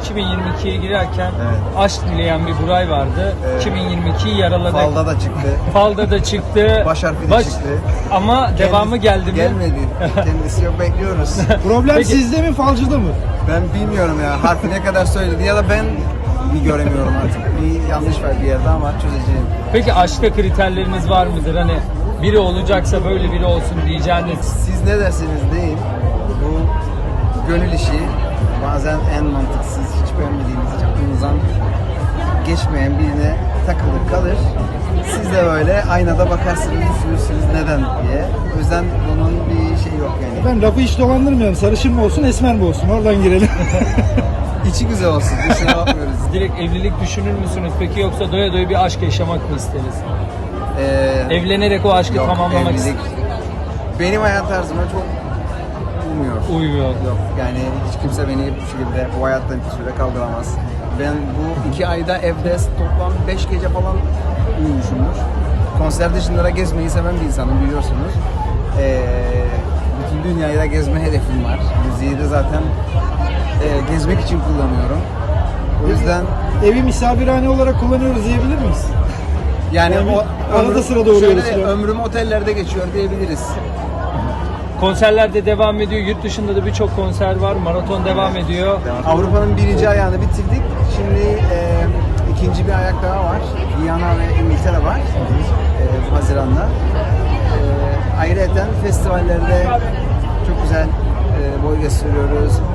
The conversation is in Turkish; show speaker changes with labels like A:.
A: 2022'ye girerken
B: Evet.
A: aşk dileyen bir Buray vardı.
B: Evet.
A: 2022'yi yaraladı.
B: Falda da çıktı.
A: Falda da çıktı.
B: Baş harfi de çıktı.
A: Ama devamı geldi mi?
B: Gelmedi. Kendisi yok, bekliyoruz.
C: Problem
A: Peki.
C: sizde mi, falcıda mı?
B: Ben bilmiyorum ya, harfi ne kadar söyledi ya da ben mi göremiyorum artık. Bir yanlış var bir yerde ama çözeceğim.
A: Peki aşkta kriterleriniz var mıdır? Hani biri olacaksa böyle biri olsun diyeceğiniz.
B: Siz ne derseniz deyin, bu gönül işi bazen en mantıksız, hiç beğenmediğiniz, hiç aklınızdan geçmeyen birine takılır kalır. Siz de böyle aynada bakarsınız, düşünürsünüz neden diye. O yüzden bunun bir şeyi yok yani.
C: Ben lafı hiç dolandırmıyorum. Sarışın mı olsun, esmer mi olsun? Oradan girelim.
B: İçi güzel olsun, dışına bakmıyoruz.
A: Direkt evlilik düşünür müsünüz peki, yoksa doya doya bir aşk yaşamak mı isteriz? Evlenerek o aşkı
B: Yok,
A: tamamlamak
B: evlilik benim hayat tarzıma çok
A: uymuyor.
B: Yok yani hiç kimse beni bu şekilde bu hayattan bir süre kaldıramaz. Ben bu 2 ayda evde toplam 5 gece falan uyumuşumdur. Konser dışında da gezmeyi seven bir insanım, biliyorsunuz. Bütün dünyayı da gezme hedefim var. Müziği de zaten gezmek için kullanıyorum. O yüzden
C: Evi misafirhane olarak kullanıyoruz diyebilir miyiz?
B: yani
C: Yani
B: o
C: arada sırada uğruyoruz
B: şöyle,
C: falan.
B: ömrüm otellerde geçiyor diyebiliriz.
A: Konserler de devam ediyor. Yurt dışında da birçok konser var. Maraton devam ediyor.
B: Avrupa'nın birinci ayağını bitirdik. Şimdi ikinci bir ayak daha var. Viyana ve İngiltere var. Haziran'da. Ayrıca festivallerde çok güzel boy gösteriyoruz.